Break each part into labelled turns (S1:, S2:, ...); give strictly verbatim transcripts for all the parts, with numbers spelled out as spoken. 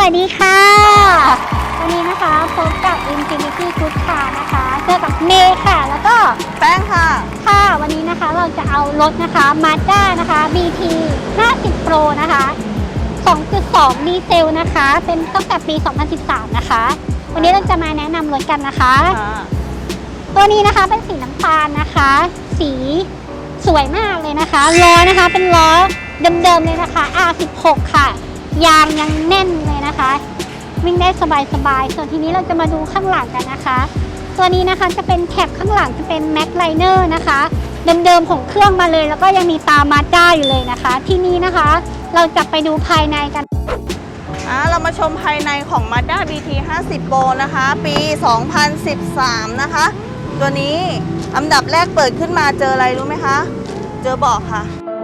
S1: วัสดีค่ะวันนี้นะคะพบกับ Infinity Good Car นะคะเจอกับเมย์ค่ะแล้วก็
S2: แป้งค่ะ
S1: ค่ะวันนี้นะคะเราจะเอารถนะคะ Mazda นะคะ บี ที ห้าสิบ Pro นะคะ สองจุดสอง ดีเซลนะคะเป็นตั้งแต่ปี สองพันสิบสาม นะคะวันนี้เราจะมาแนะนำรถกันนะคะตัวนี้นะคะเป็นสีน้ำตาลนะคะสีสวยมากเลยนะคะล้อนะคะเป็นล้อเดิมๆเลยนะคะ อาร์ สิบหก ค่ะยางยังแน่นเลยนะคะวิ่งได้สบายๆส่วนทีนี้เราจะมาดูข้างหลังกันนะคะตัวนี้นะคะจะเป็นแคปข้างหลังจะเป็น Max Liner นะคะเดิมๆของเครื่องมาเลยแล้วก็ยังมีตา Mazda อยู่เลยนะคะที่นี้นะคะเราจะไปดูภายในกัน
S2: อ่าเรามาชมภายในของ Mazda บี ที ห้าสิบ Pro นะคะปี สองพันสิบสาม นะคะตัวนี้อันดับแรกเปิดขึ้นมาเจออะไรรู้ไหมคะเจอเบาะค่ะ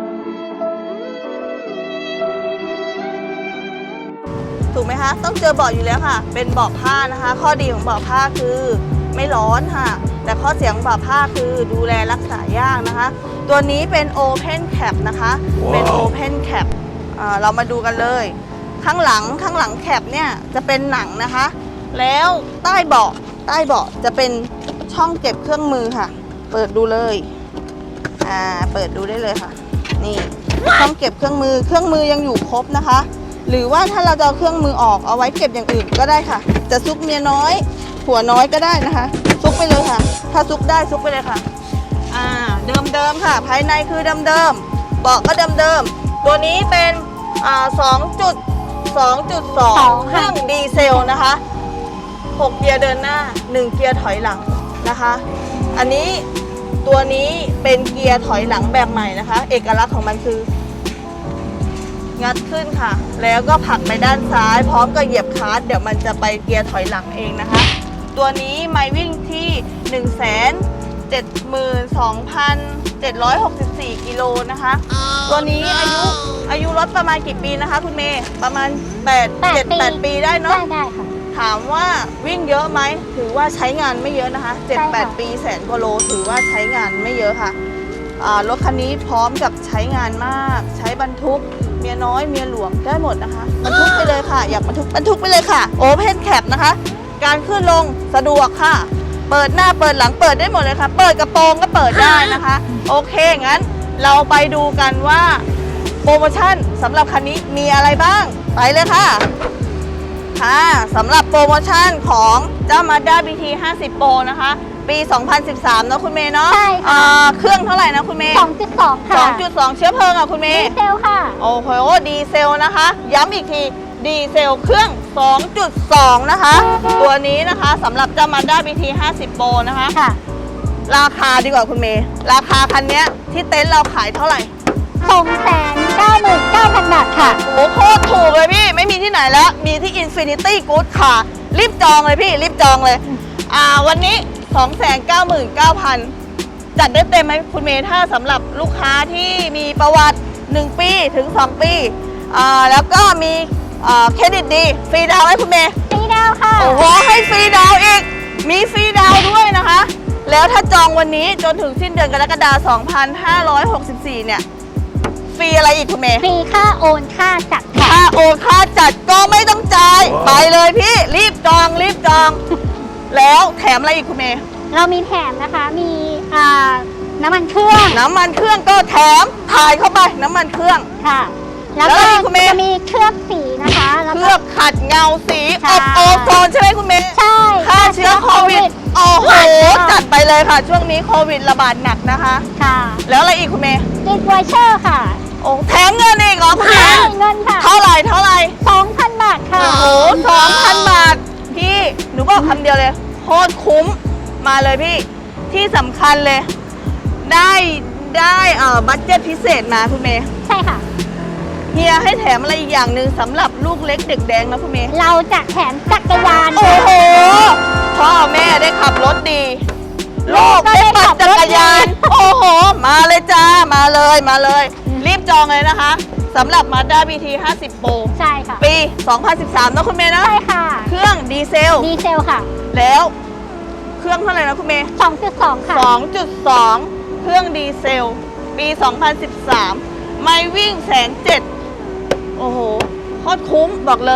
S2: ถูกไหมคะต้องเจอเบาะอยู่แล้วค่ะเป็นเบาะผ้านะคะข้อดีของเบาะผ้าคือไม่ร้อนค่ะแต่ข้อเสียของเบาะผ้าคือดูแลรักษายากนะคะตัวนี้เป็น Open Cap นะคะ wow. เป็น Open Cap อ่าเรามาดูกันเลยข้างหลังข้างหลังแคปเนี่ยจะเป็นหนังนะคะแล้วใต้เบาะใต้เบาะจะเป็นช่องเก็บเครื่องมือค่ะเปิดดูเลยอ่าเปิดดูได้เลยค่ะนี่ช่องเก็บเครื่องมือเครื่องมือยังอยู่ครบนะคะหรือว่าถ้าเราจะเอาเครื่องมือออกเอาไว้เก็บอย่างอื่นก็ได้ค่ะจะซุกเมียน้อยผัวน้อยก็ได้นะคะซุกไปเลยค่ะถ้าซุกได้ซุกไปเลยค่ะอ่าเดิมเดิมค่ะภายในคือเดิมเดิมเบาะก็เดิมเดิมตัวนี้เป็นอ่าสองจุดสองจุดสองเครื่องดีเซลนะคะหกเกียร์เดินหน้าหนึ่งเกียร์ถอยหลังนะคะอันนี้ตัวนี้เป็นเกียร์ถอยหลังแบบใหม่นะคะเอกลักษณ์ของมันคืองัดขึ้นค่ะแล้วก็ผลักไปด้านซ้ายพร้อมกับเหยียบคลัตช์เดี๋ยวมันจะไปเกียร์ถอยหลังเองนะคะตัวนี้ไมล์วิ่งที่ หนึ่งแสนเจ็ดหมื่นสองพันเจ็ดร้อยหกสิบสี่ กิโลนะคะ oh, ตัวนี้อายุอายุรถประมาณกี่ปีนะคะคุณเมย์ประมาณแปด เจ็ด แปด ปีได้เนาะ
S1: ได้ได้ค่ะ
S2: ถามว่าวิ่งเยอะไหมถือว่าใช้งานไม่เยอะนะคะ เจ็ด แปด ปีแสนกว่าโลถือว่าใช้งานไม่เยอะค่ะรถคันนี้พร้อมกับใช้งานมากใช้บรรทุกเมียน้อยเมียหลวงได้หมดนะคะบรรทุกไปเลยค่ะอยากบรรทุกบรรทุกไปเลยค่ะโอเพนแคปนะคะการขึ้นลงสะดวกค่ะเปิดหน้าเปิดหลังเปิดได้หมดเลยค่ะเปิดกระโปรงก็เปิดได้นะคะโอเคงั้นเราไปดูกันว่าโปรโมชั่นสำหรับคันนี้มีอะไรบ้างไปเลยค่ะค่ะสำหรับโปรโมชั่นของเจ้า Mazda บี ที ห้าสิบ Pro นะคะปี สองพันสิบสาม เนาะคุณเมย์เนาะ
S1: ใช่ค่ะ
S2: เครื่องเท่าไหร่นะคุณเมย์
S1: สองจุดสอง ค่ะ
S2: สองจุดสอง เชื้อเพลิงอ่ะคุณเมย์
S1: ดีเซลค่ะ
S2: โอ้โหดีเซลนะคะย้ำอีกทีดีเซลเครื่อง สองจุดสอง นะคะตัวนี้นะคะสำหรับเจ้า Mazda บี ที ห้าสิบ Pro นะคะ
S1: ค่ะ
S2: ราคาดีกว่าคุณเมย์ราคาคันนี้ที่เต็นท์เราขายเท่าไหร่
S1: สองแสนเก้าหมื่นเก้าพัน บาทค่ะ
S2: โอ้โหโคตรถูกเลยพี่ไม่มีที่ไหนแล้วมีที่ Infinity Good ค่ะรีบจองเลยพี่รีบจองเลยอ่าวันนี้ สองแสนเก้าหมื่นเก้าพัน จัดได้เต็มไหมคุณเมย์ถ้าสำหรับลูกค้าที่มีประวัติหนึ่งปีถึงสองปีอ่าแล้วก็มีอ่าเครดิตดีฟรีดาวน์ไหมคุณเมย์
S1: ฟรีดาวน์ค่ะ
S2: โอ้โหให้ฟรีดาวน์อีกมีฟรีดาวน์ด้วยนะคะแล้วถ้าจองวันนี้จนถึงสิ้นเดือนกรกฎาคม สองพันห้าร้อยหกสิบสี่ เนี่ยฟรีอะไรอีกคุณเมย์
S1: ฟรีค่าโอนค่าจัด
S2: ค่าโอนค่าจัดก็ไม่ต้องจ่ายไปเลยพี่รีบจองรีบจองแล้วแถมอะไรอีกคุณเมย์
S1: เรามีแถมนะคะมีอ่าน้ำมันเครื่อง
S2: น้ำมันเครื่องก็แถมถ่ายเข้าไปน้ำมันเครื่อง
S1: ค่ะแล้วก็จะมีเคลือบสีนะคะ
S2: เคลือบขัดเงาสีอบโอโซนใช่ไหมคุณเมย์
S1: ใช่
S2: ฆ่าเชื้อโควิดโอ้โหจัดไปเลยค่ะช่วงนี้โควิดระบาดหนักนะคะ
S1: ค่ะ
S2: แล้วอะไรอีกคุณเมย์
S1: ติดไวเชอร์ค่ะ
S2: โอ้แถมเงินอีกเหรอคุณเมย์
S1: เงินค่ะ
S2: เท่าไหร่เท่าไหร่
S1: สองพัน บาทค่ะ
S2: โอ้โห สองพัน บาทพี่หนูบอกคำเดียวเลยโคตรคุ้มมาเลยพี่ที่สำคัญเลยได้ได้เอ่อบัดเจ็ตพิเศษมาคุณเมย์
S1: ใช่ค่ะ
S2: เฮียให้แถมอะไรอีกอย่างหนึ่งสำหรับลูกเล็กเด็กแดงนะคุณเมย์
S1: เราจะแถมจักรยาน
S2: โอ้โหพ่อแม่ได้ขับรถดีลูกได้ปั่นจักรยานโอ้โหมาเลยจ้ามาเลยมาเลยรีบจองเลยนะคะสำหรับ Mazda บี ที ห้าสิบ Pro
S1: ใช่ค่ะ
S2: ปี สองพันสิบสาม นะคุณเมย์นะ
S1: ใช่ค่ะ
S2: เครื่องดีเซล
S1: ดีเซลค่ะ
S2: แล้วเครื่องเท่าไหร่นะคุณเมย์
S1: สองจุดสอง ค่ะ
S2: สองจุดสอง เครื่องดีเซลปี สองพันสิบสาม ไมล์วิ่งแสนเจ็ดโอ้โหโคตรคุ้มบอกเลย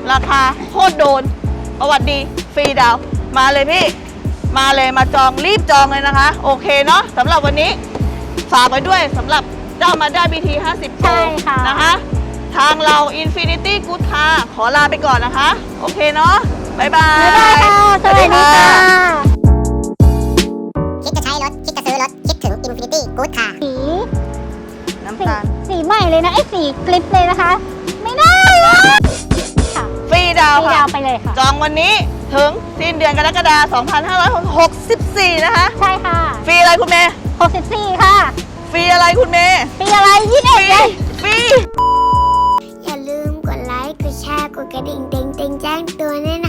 S2: ราคาโคตรโดนประวัติดีฟรีดาวน์มาเลยพี่มาเลยมาจองรีบจองเลยนะคะโอเคเนาะสำหรับวันนี้ฝากไว้ด้วยสำหรับเจ้า Mazda บี ที ห้าสิบ
S1: ใช่ค่ะ
S2: นะคะทางเรา Infinity Good Car ขอลาไปก่อนนะคะโอเคเนาะบ๊ายบาย
S1: บ๊ายบายค่ะ สวัสดีค่ะ
S3: คิดจะใช้รถ คิดจะซื้อรถ คิดถึง Infinity Good Car
S1: สี
S2: น้ำ
S1: สี
S2: ตาล
S1: สีใหม่เลยนะไอ้สีกลิปเลยนะคะ ไม่ได้เลยค่ะ
S2: ฟรีดาวน์
S1: พี่
S2: ค่ะ
S1: ดาวไปเลยค่ะ
S2: จองวันนี้ถึงสิ้นเดือนกรกฎาคม สองพันห้าร้อยหกสิบสี่ นะคะ
S1: ใช่ค่ะ
S2: ฟรีอะไรคุณเมย์
S1: หกสิบสี่ค่ะ
S2: ฟรีอะไรคุณเมย์
S1: ปีอะไรยี่สิบ
S2: ฟ
S1: เอ็ด
S2: รี
S1: เลย
S2: ฟรี
S3: อย่าลืมกดไลค์ กดแชร์ กดกระดิ่งเต็งๆแจ้งเตือนด้วยนะ